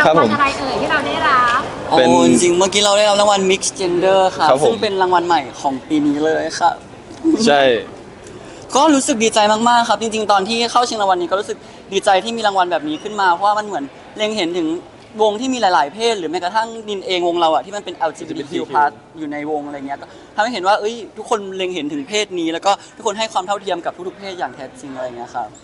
างวัลอะไรเอ่ยที่เราได้รับเป็นจริงเมื่อกี้เราได้รับรางวัล Mix Gender ครับซึ่งเป็นรางวัลใหม่ของปีนี้เลยครับใช่ก็รู้สึกดีใจมากๆครับจริงๆตอนที่เข้าชิงรางวัลนี้ก็รู้สึกดีใจที่มีรางวัลแบบนี้ขึ้นมาเพราะว่ามันเหมือนเล็งเห็นถึงวงที่มีหลายๆเพศหรือแม้กระทั่งนินเองวงเราอะที่มันเป็น LGBTQ+ อยู่ในวงอะไรเงี้ยก็ทำให้เห็นว่าเอ้ยทุกคนเล็งเห็นถึงเพศนี้แล้วก็ทุกคนให้ความเท่าเทียมกับทุกๆเพศอย่างแท้จริงอะไรเงี้ยครับ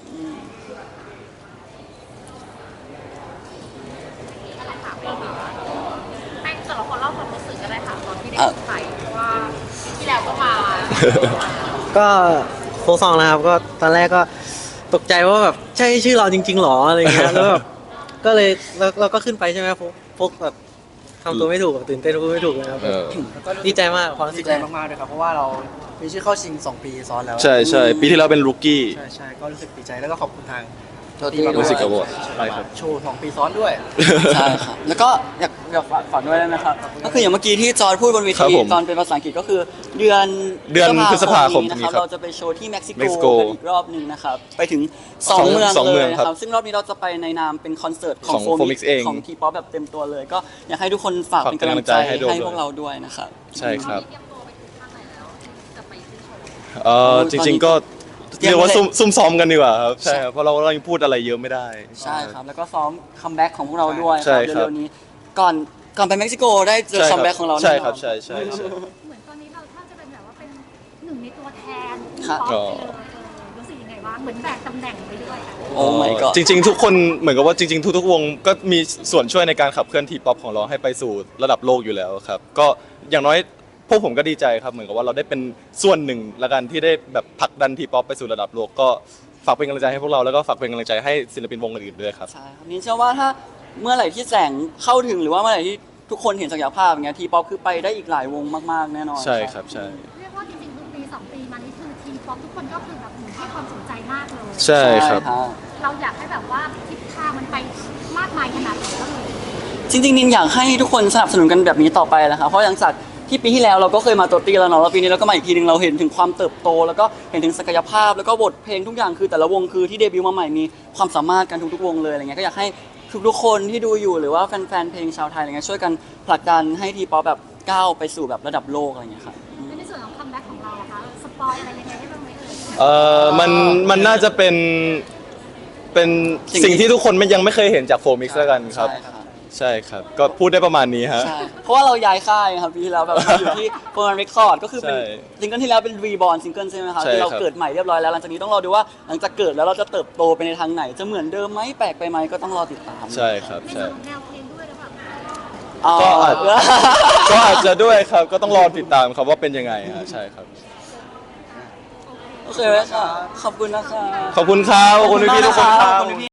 ให้แต่ละคนเล่าความรู้สึกก็ได้ค่ะตอนที่ได้ขึ้นไปเพราะว่าที่แล้วก็มาก็โฟซองนะครับก็ตอนแรกก็ตกใจว่าแบบใช่ชื่อเราจริงๆหรออะไรเงี้ยแล้วแบบก็เลยเราก็ขึ้นไปใช่ไหมโฟกแบบทำตัวไม่ถูกตื่นเต้นพูดไม่ถูกเลยครับดีใจมากความรู้สึดีกใจมากๆเลยครับเพราะว่าเรามีชื่อเข้าชิง2 ปีซ้อนแล้วใช่ปีที่แล้วเป็นรูกี้ใช่ก็รู้สึกดีใจแล้วก็ขอบคุณทางรู้สึกกระบอกใช่ครับโชว์2 ปีซ้อนด้วยใช่ครับแล้วก็อยากฝากด้วยได้ไหมครับก็คืออย่างเมื่อกี้ที่จอร์จพูดบนเวทีตอนเป็นภาษาอังกฤษก็คือเดือนพฤษภาคมนะครับเราจะไปโชว์ที่เม็กซิโกเม็กซิโกกันอีกรอบหนึ่งนะครับไปถึง2 เมืองสองเลเมือย งนะคครัรับ บซึ่งรอบนี้เราจะไปในนามเป็นคอนเสิร์ตของของ Phomix เองของทีป๊อปแบบเต็มตัวเลยก็อยากให้ทุกคนฝากเป็นกำลังใจให้พวกเราด้วยนะครับใช่ครับเตรียมตัวไปถึงข้างไหนแล้วจะไปขึ้นโชว์จริงๆก็เรียกว่าซุ่มซ้อมกันดีกว่าครับใช่ครับเพราะเรายังพูดอะไรเยอะไม่ได้ใช่ครับแล้วก็ซ้อมคัมแบ็กของพวกเราด้วยคใช่รับครับเร็วๆนี้ก่อนไปเม็กซิโกได้เจอคัมแบ็กของเราแน่นอนใช่ครับใช่เหมือนตอนนี้เราถ้าจะเป็นแบบว่าเป็นหนึ่งในตัวแทนครับป๊อปไปเลยรู้สึกยังไงบ้างเหมือนแบกตำแหน่งไปด้วยอะโอ้ my god จริงๆทุกคนเหมือนกับว่าจริงๆทุกๆวงก็มีส่วนช่วยในการขับเคลื่อนทีป๊อปของเราให้ไปสู่ระดับโลกอยู่แล้วครับก็อย่างน้อยพวกผมก็ดีใจครับเหมือนกับว่าเราได้เป็นส่วนหนึ่งละกันที่ได้แบบผลักดันทีป๊อปไปสู่ระดับโลกก็ฝากเป็นกำลังใจให้พวกเราแล้วก็ฝากเป็นกำลังใจให้ศิลปินวงอื่นๆด้วยครับใช่ครับนี่เชื่อว่าถ้าเมื่อไหร่ที่แสงเข้าถึงหรือว่าเมื่อไหร่ที่ทุกคนเห็นศักยภาพอย่างเงี้ยทีป๊อปคือไปได้อีกหลายวงมากๆแน่นอนใช่ครับใช่เรียกว่าจริงๆคือปี2 ปีมานี่คือทีมป๊อปทุกคนก็คือแบบให้ความสนใจมากเลยใช่ครับใช่เราอยากให้แบบว่าทิศทางมันไปมากมายขนาดไหนก็เลยจริงๆนินอยากให้ทุกคนสนับสนุนกันแบบนี้ต่อไปแหละครับเพราะอย่างจากที่ปีที่แล้วเราก็เคยมาตัวตีแล้วเนาะแล้วปีนี้เราก็มาอีกทีนึงเราเห็นถึงความเติบโต แล้วก็เห็นถึงศักยภาพแล้วก็บทเพลงทุกอย่างคือแต่ละวงคือที่เดบิวต์มาใหม่มีความสามารถกันทุกๆวงเลยอะไรเงี้ยก็อยากให้ทุกๆคนที่ดูอยู่หรือว่าแฟนๆเพลงชาวไทยอะไรเงี้ยช่วยกันผลักดันให้ทีป๊อปแบบก้าวไปสู่แบบระดับโลกอะไรเงี้ยครับในส่วนของคัมแบ็กของเราอะคะสปอยอะไรยังไงได้บ้างไหมเอ่ยมันน่าจะเป็นสิ่งที่ทุกคนยังไม่เคยเห็นจากโฟมิกซ์แล้วกันครับ ใช่ครับก็พูดได้ประมาณนี้ฮะใช่เพราะว่าเราย้ายค่ายครับปีที่แล้วแบบอยู่ที่โฟร์แมนเรคคอร์ดก็คือเป็นใช่ซิงเกิลที่แล้วเป็นรีบอร์นซิงเกิลใช่ไหมครับใช่ที่เราครับเกิดใหม่เรียบร้อยแล้วหลังจากนี้ต้องรอดูว่าหลังจากเกิดแล้วเราจะเติบโตไปในทางไหนจะเหมือนเดิมไหมแปลกไปไหมก็ต้องรอติดตามใช่ครับในใช่ส่วนของแนวเพลงด้วยหรือเปล่าอ๋อก็อาจจะด้วยครับก็ต้องรอติดตามครับว่าเป็นยังไงฮะใช่ครับโอเคไหมครับขอบคุณนะครับขอบคุณครับขอบคุณพี่ๆทุกคนครับขอบคุณพี่